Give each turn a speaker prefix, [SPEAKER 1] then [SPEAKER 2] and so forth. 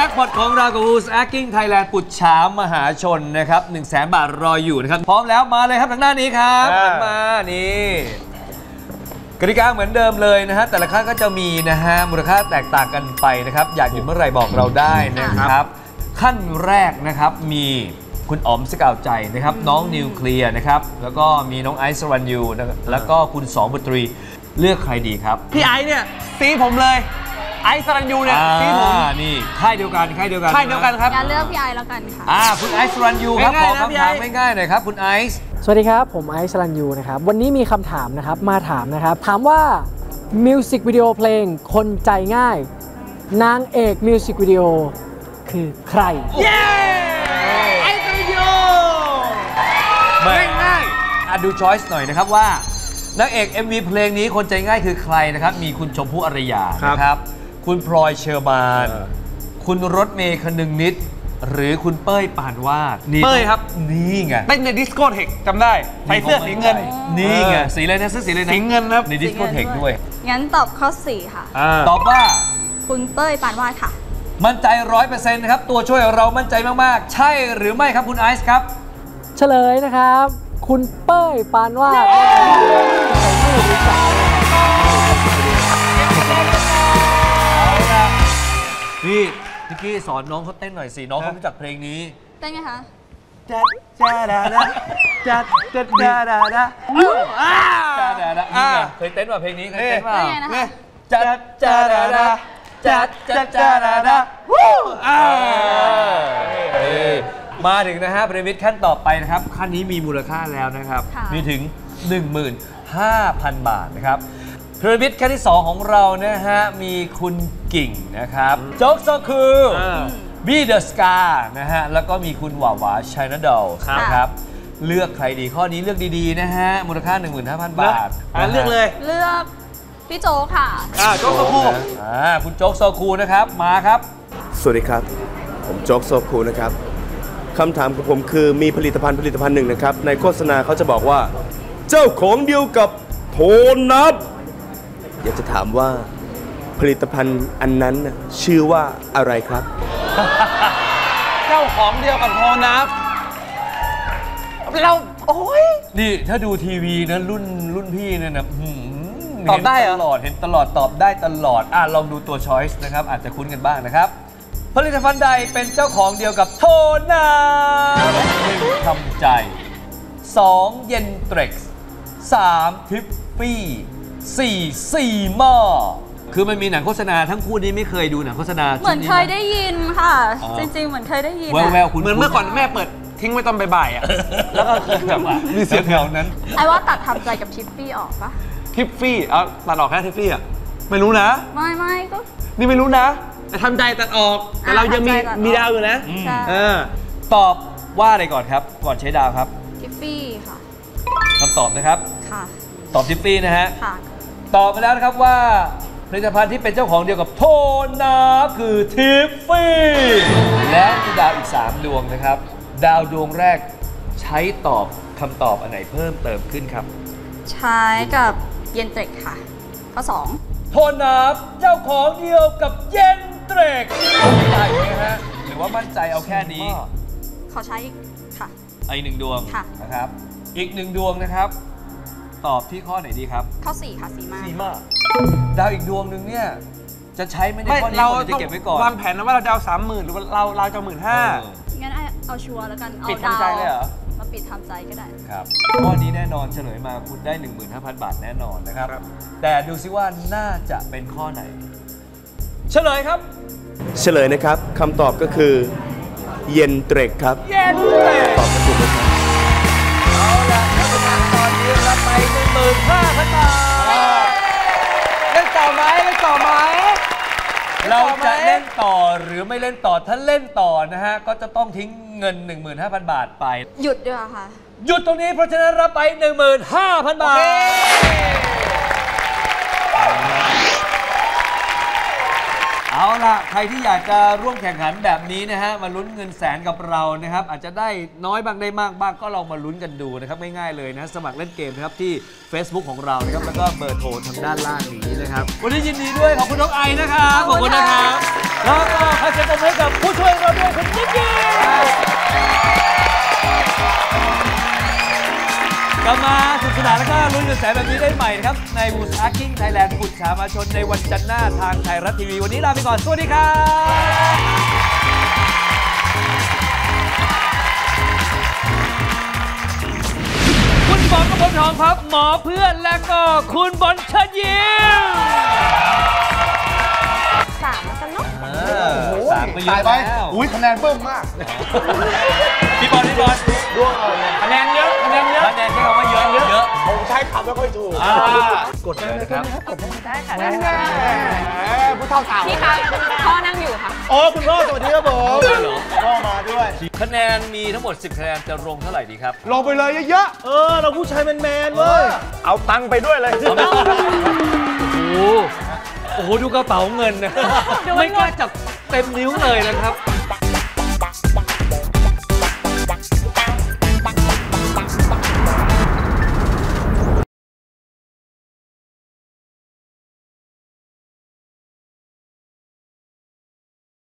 [SPEAKER 1] จ็คพอตของเรากับ Who's Acting Thailand ปุจฉามหาชนนะครับ 100,000 บาทรออยู่นะครับพร้อมแล้วมาเลยครับทางด้านนี้ครับมานี่กติกาเหมือนเดิมเลยนะฮะแต่ละขั้นก็จะมีนะฮะมูลค่าแตกต่างกันไปนะครับอยากหยุดเมื่อไหร่บอกเราได้นะครับขั้นแรกนะครับมีคุณอ๋อมสกาวใจนะครับน้องนิวเคลียร์นะครับแล้วก็มีน้องไอซ์สรัญยูแล้วก็คุณสองบุตรีเลือกใครดีครับ
[SPEAKER 2] พี่ไอซ์เนี่ยซีผมเลยไอซ์สรัญยูเนี่ยซีผม
[SPEAKER 1] นี่ค่ายเดียวกันครับ
[SPEAKER 3] งั้นเลือกพี่ไอซ์แล้วกันค่ะ
[SPEAKER 1] คุณไอซ์สรัญยูครับขอคำถามง่ายๆหน่อยครับคุณไอซ์
[SPEAKER 4] สวัสดีครับผมไอซ์สรัญยูนะครับวันนี้มีคำถามนะครับมาถามนะครับถามว่ามิวสิกวิดีโอเพลงคนใจง่ายนางเอกมิวสิกวิดีโอคือใคร
[SPEAKER 2] เย้ไอซ์สรัญยู
[SPEAKER 1] ง่ายดูช้อยส์หน่อยนะครับว่านางเอก MV เพลงนี้คนใจง่ายคือใครนะครับมีคุณชมพู่อารยานะครับคุณพลอยเชอร์มานคุณรถเมย์คนึงนิดหรือคุณเป้ยปานวาด
[SPEAKER 2] เป้ยครับ
[SPEAKER 1] นี่ไง
[SPEAKER 2] เต้นในดิสโก้เทคจำได้ใส่เสื้อสีเงิน
[SPEAKER 1] นี่ไงสีอะไรนะเสื้อสีอะไรนะ
[SPEAKER 2] สีเงินครับ
[SPEAKER 1] ในดิสโก้เทคด้วย
[SPEAKER 3] งั้นตอบข้อ4ค่ะ
[SPEAKER 1] ตอบว่า
[SPEAKER 3] คุณเป้ยปานวาดค่ะ
[SPEAKER 1] มั่นใจ 100% นะครับตัวช่วยเรามั่นใจมากๆใช่หรือไม่ครับคุณไอซ์ครับ
[SPEAKER 4] เฉลยนะครับคุณเป้ยปานวาด
[SPEAKER 1] นี่พี่กี้สอนน้องเขาเต้นหน่อยสิน้องเขารู้จักเพลงนี้
[SPEAKER 3] เต้นไงคะ
[SPEAKER 2] จัดจ้าดาดาจัดจัดจ้าดาดา
[SPEAKER 1] จ้าดาดาเคยเต้นว่าเพลงนี้เคยเต้นว่า
[SPEAKER 2] จัดจ้าดาดาจัดจัดจ้าดาดา
[SPEAKER 1] มาถึงนะฮะพีระมิดขั้นต่อไปนะครับขั้นนี้มีมูลค่าแล้วนะครับมีถึง 15,000 บาทนะครับพีระมิดขั้นที่2ของเรานะฮะมีคุณกิ่งนะครับโจ๊กโซคูบี้เดอะสกานะฮะแล้วก็มีคุณหวาวาชัยนาดอลนะครับเลือกใครดีข้อนี้เลือกดีๆนะฮะมูลค่า 15,000 บาท
[SPEAKER 2] เลือกเลย
[SPEAKER 3] เลือกพี่โจ๊กค่ะ
[SPEAKER 2] โจ๊กโซคู
[SPEAKER 1] คุณโจ๊กโซคูนะครับมาครับ
[SPEAKER 5] สวัสดีครับผมโจ๊กโซคูนะครับคำถามของผมคือมีผลิตภัณฑ์หนึ่งนะครับในโฆษณาเขาจะบอกว่าเจ้าของเดียวกับโทนับอยากจะถามว่าผลิตภัณฑ์อันนั้นชื่อว่าอะไรครับ
[SPEAKER 2] เจ้าของเดียวกับโทนับเราโอ้ย
[SPEAKER 1] นี่ถ้าดูทีวีนะรุ่นพี่เนี่ยนะ
[SPEAKER 2] ตอบได้
[SPEAKER 1] ตลอดเห็นตลอดตอบได้ตลอดลองดูตัวช้อยส์นะครับอาจจะคุ้นกันบ้างนะครับผลิตภัณฑ์ใดเป็นเจ้าของเดียวกับโทนับ1ทำใจ2เย็นเทร็กซ์3ทิฟฟี่4ซีม่าคือมันมีหนังโฆษณาทั้งคู่นี้ไม่เคยดูหนังโฆษณา
[SPEAKER 3] เหมือนเคยได้ยินค่ะจริงๆเหมือนเคยได้ยิน
[SPEAKER 1] แววๆคุณ
[SPEAKER 2] เหมือนเมื่อก่อนแม่เปิดทิ้งไว้ตอนบ่ายๆแล้วก็แบบ
[SPEAKER 1] มีเสียงแถวนั้น
[SPEAKER 3] ไอ้ว่าตัดทำใจกับทิฟฟี่ออกปะ
[SPEAKER 2] ทิฟฟี่ตัดออกแค่ทิฟฟี่ไม่รู้นะ
[SPEAKER 3] ไม่ก็
[SPEAKER 2] นี่ไม่รู้นะแต่ทำใจตัดออกแต่เรายังมีดาวอยู่นะ
[SPEAKER 1] ตอบว่าอะไรก่อนครับก่อนใช้ดาวครับ
[SPEAKER 3] ทิฟฟี่ค่ะ
[SPEAKER 1] คำตอบนะครับ
[SPEAKER 3] ค่ะ
[SPEAKER 1] ตอบทิฟฟี่นะฮะ
[SPEAKER 3] ค่ะ
[SPEAKER 1] ตอบมาแล้วนะครับว่าผลิตภัณฑ์ที่เป็นเจ้าของเดียวกับโทนับคือทิฟฟี่และมีดาวอีก3ดวงนะครับดาวดวงแรกใช้ตอบคำตอบอันไหนเพิ่มเติมขึ้นครับ
[SPEAKER 3] ใช้กับเย็นเทร็กค่ะข้อ2
[SPEAKER 1] โทนับเจ้าของเดียวกับเย็นเทร็กใช่ไหมฮะหรือว่ามั่นใจเอาแค่นี้
[SPEAKER 3] ขอใช้ค่ะ
[SPEAKER 1] อีก1ดวงนะครับอีก1ดวงนะครับตอบที่ข้อไหนดีครับ
[SPEAKER 3] ข้อ4ค่ะซีม่า
[SPEAKER 1] ดาวอีกดวงหนึ่งเนี่ยจะใช้ไม่ได้ข้อนี้เราจะเก็บไว้ก่อน
[SPEAKER 2] วางแผนนะว่าเราจะเอา 30,000 หรือว่าเราจะ15,000
[SPEAKER 3] งั้นเอาชัวร์แล้วกัน
[SPEAKER 2] เอาดาวเลยเหรอ
[SPEAKER 3] มาปิดทำใจก็ได้
[SPEAKER 1] ครับข้อนี้แน่นอนเฉลยมาคุณได้ 15,000 บาทแน่นอนนะครับแต่ดูซิว่าน่าจะเป็นข้อไหนเฉลยครับ
[SPEAKER 5] เฉลยนะครับคำตอบก็คือเย็นเทร็กครับ
[SPEAKER 1] เย็นเทร็ก
[SPEAKER 5] ตอบถูกไหมครับ
[SPEAKER 1] เอาล่ะถ้าเป็นตอนนี้รับไป 15,000 บาท
[SPEAKER 2] เล่นต่อไหม
[SPEAKER 1] เราจะเล่นต่อหรือไม่เล่นต่อถ้าเล่นต่อนะฮะก็จะต้องทิ้งเงิน 15,000 บาทไป
[SPEAKER 3] หยุดด้วยค่ะ
[SPEAKER 1] หยุดตรงนี้เพราะฉะนั้นรับไป 15,000 บาทเอาเอาล่ะใครที่อยากจะร่วมแข่งขันแบบนี้นะฮะมาลุ้นเงินแสนกับเรานะครับอาจจะได้น้อยบ้างได้มากบ้างก็ลองมาลุ้นกันดูนะครับง่ายๆเลยนะสมัครเล่นเกมนะครับที่ Facebook ของเรานะครับแล้วก็เบอร์โทรทางด้านล่างนี้นะครับวันนี้ยินดีด้วยขอบคุณน้องไอนะครับขอบคุณนะครับแล้วก็ขอเสียงปรบมือให้กับผู้ช่วยเราด้วยคุณนิกกี้กลับมาสนุกสนานแล้วก็ลุ้นเงินแสนแบบนี้ได้ใหม่นะครับใน Who's Asking Thailand บุตรชามาชนในวันจันทร์หน้าทางไทยรัฐทีวีวันนี้ลาไปก่อนสวัสดีครับคุณบอลกบลทองครับหมอเพื่อนและก็คุณบอลเชิญยิ้ม
[SPEAKER 3] 3แล้วกันเนาะ
[SPEAKER 1] สามก็เยอะแล้ว
[SPEAKER 2] อุ้ยคะแนนเพิ่มมาก
[SPEAKER 1] พี่บอล
[SPEAKER 2] ดวงเอาเลยคะแนนเยอะคะแนนเยอะ
[SPEAKER 1] คะแนนใช้คำว่าเยอะเยอะ
[SPEAKER 2] ผมใช้คำไม่ค่อยถูก
[SPEAKER 1] กดเลยนะครับ
[SPEAKER 3] ได้ค่ะได้ค่ะ
[SPEAKER 2] ผู้เฒ่าสาว
[SPEAKER 3] พี่คะพ่อนั่งอยู่ค่ะ
[SPEAKER 2] โอ้คุณพ่อสวัสดีครับผมพ่อมาด้วย
[SPEAKER 1] คะแนนมีทั้งหมด 10 คะแนนจะลงเท่าไหร่ดีครับ
[SPEAKER 2] ลงไปเลยเยอะๆเราผู้ชายแมนๆเว้ยเอาตังค์ไปด้วยเลย
[SPEAKER 1] โอ้โหดูกระเป๋าเงินนะ ไม่กล้าจับเต็มนิ้วเลยนะครับ